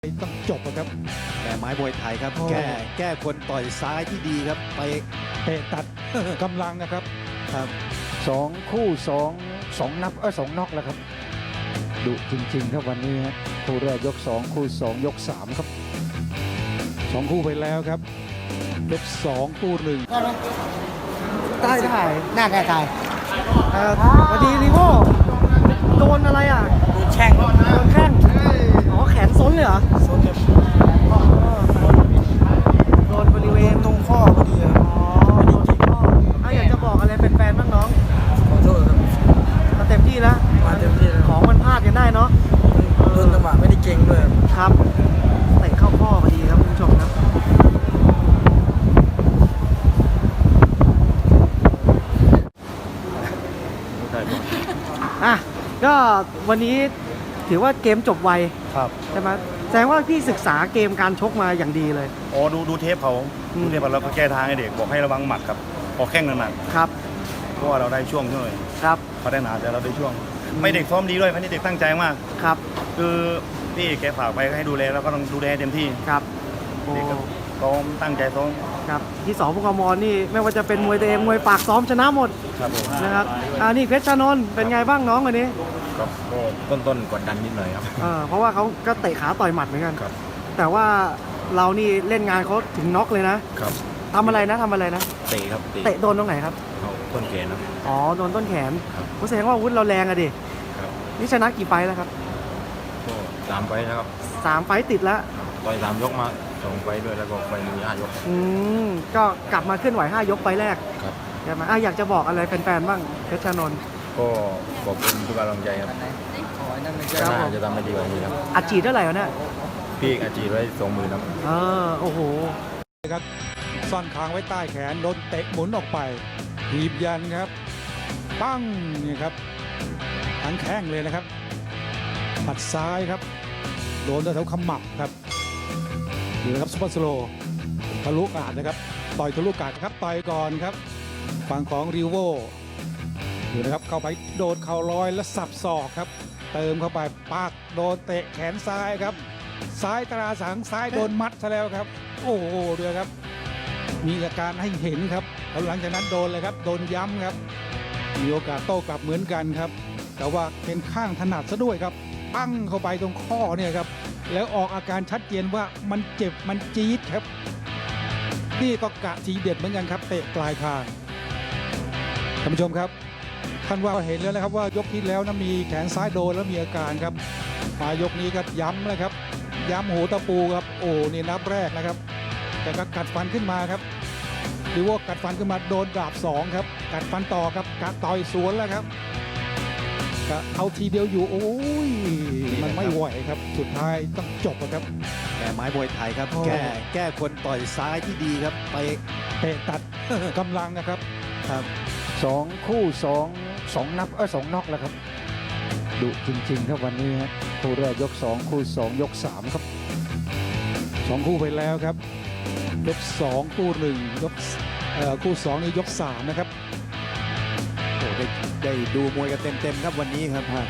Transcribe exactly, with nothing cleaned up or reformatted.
ต้องจบนะครับแม่ไม้มวยไทยครับแก้แก้คนต่อยซ้ายที่ดีครับไปเตะตัด กำลังนะครับครับสองคู่สองสองนับเออสองน็อกแล้วครับดุจริงๆครับวันนี้ครับคู่แรกยกสองคู่สองยกสามครับสองคู่ไปแล้วครับยกสองคู่หนึ่งได้ได้หน้าได้ได้พอดีรีโวโดนอะไรอ่ะโดนแข้งโดนแข้งอ๋อแขนซ้นเลยเหรอซ้นเลยโดนบริเวณตรงข้อพอดีอ๋ออ่ะอยากจะบอกอะไรเป็นแฟนบ้างน้องขอโทษครับมาเต็มที่แล้วมาเต็มที่แล้วของมันพลาดกันได้เนาะโดนจังหวะไม่ได้เก่งด้วยครับเตะเข้าข้อพอดีครับคุณผู้ชมครับอ่ะก็วันนี้ถือว่าเกมจบไวครับใช่ไหมแสดงว่าพี่ศึกษาเกมการชกมาอย่างดีเลยอ๋อดูดูเทปเขาดูเทปเขาแล้วก็แก้ทางให้เด็กบอกให้ระวังหมัดครับพอแข้งหนักๆครับเพราะว่าเราได้ช่วงด้วยครับเขาได้หนาแต่เราได้ช่วงไม่เด็กซ้อมดีด้วยพันนี้เด็กตั้งใจมากครับคือพี่แกฝากไปให้ดูแลแล้วก็ต้องดูแลเต็มที่ครับเด็กก็ซ้อมตั้งใจซ้อมครับที่สองพวกกมนี่ไม่ว่าจะเป็นมวยตัวเองมวยปากซ้อมชนะหมดครับผมนะครับอ่านี่เพชรชานนท์เป็นไงบ้างน้องวันนี้ก็ต้นต้นกดดันนิดหน่อยครับเออเพราะว่าเขาก็เตะขาต่อยหมัดเหมือนกันครับแต่ว่าเรานี่เล่นงานเขาถึงน็อกเลยนะครับทำอะไรนะทำอะไรนะเตะครับเตะโดนตรงไหนครับต้นแขนครับอ๋อโดนต้นแขนผมแสดงว่าอาวุธเราแรงอะดินี่ชนะกี่ไฟแล้วครับก็สามไฟแล้วครับสามไฟติดแล้วต่อยสามยกมาสองไฟด้วยแล้วก็ไฟมีห้ายกอืมก็กลับมาเคลื่อนไหวห้ายกไฟแรกครับใช่ไหมอ่ะอยากจะบอกอะไรแฟนๆบ้างเพชรชานนท์ก็ขอบคุณทุกกำลังใจครับก็น่าจะทำให้ดีกว่านี้ครับอัดฉีดเท่าไหร่วะเนี่ยพี่อาจีไว้สองหมื่นครับเออโอ้โหครับซ่อนคางไว้ใต้แขนโดนเตะหมุนออกไปถีบยันครับปั้งนี่ครับทั้งแข้งเลยนะครับปัดซ้ายครับโดนแถวขมับครับดูนะครับซุปเปอร์สโลว์ทะลุกาดนะครับต่อยทะลุกาดครับต่อยก่อนครับฝั่งของริโวดูนะครับเข้าไปโดนเข่าลอยและสับศอกครับเติมเข้าไปปากโดนเตะแขนซ้ายครับซ้ายตราสังซ้ายโดนมัดซะแล้วครับโอ้โหเดือครับมีอาการให้เห็นครับแล้วหลังจากนั้นโดนเลยครับโดนย้ำครับมีโอกาสโต้กลับเหมือนกันครับแต่ว่าเป็นข้างถนัดซะด้วยครับปั้งเข้าไปตรงข้อเนี่ยครับแล้วออกอาการชัดเจนว่ามันเจ็บมันจี๊ดครับนี่ก็กะทีเด็ดเหมือนกันครับเตะปลายคางท่านผู้ชมครับท่านว่าเห็นแล้วนะครับว่ายกที่แล้วนะมีแขนซ้ายโดนแล้วมีอาการครับมายกนี้ก็ย้ำเลยครับย้ำหูตะปูครับโอ้นี่นับแรกนะครับแต่ก็กัดฟันขึ้นมาครับหรือว่ากัดฟันขึ้นมาโดนดาบสองครับกัดฟันต่อครับกัดต่อยสวนแล้วครับก็เอาทีเดียวอยู่โอ้ยมันไม่ไหวครับสุดท้ายต้องจบครับแม่ไม้มวยไทยครับแก้แก้คนต่อยซ้ายที่ดีครับไปเตะตัด กำลังนะครับครับสองคู่สองสองนับเออสองน็อกแล้วครับดุจริงๆครับวันนี้ครับคู่แรกยกสองคู่สองยกสามครับสองคู่ไปแล้วครับยกสองคู่หนึ่งยกเอ่อคู่สองนี่ยกสามนะครับโอ้ได้ได้ดูมวยกันเต็มๆครับวันนี้ครับ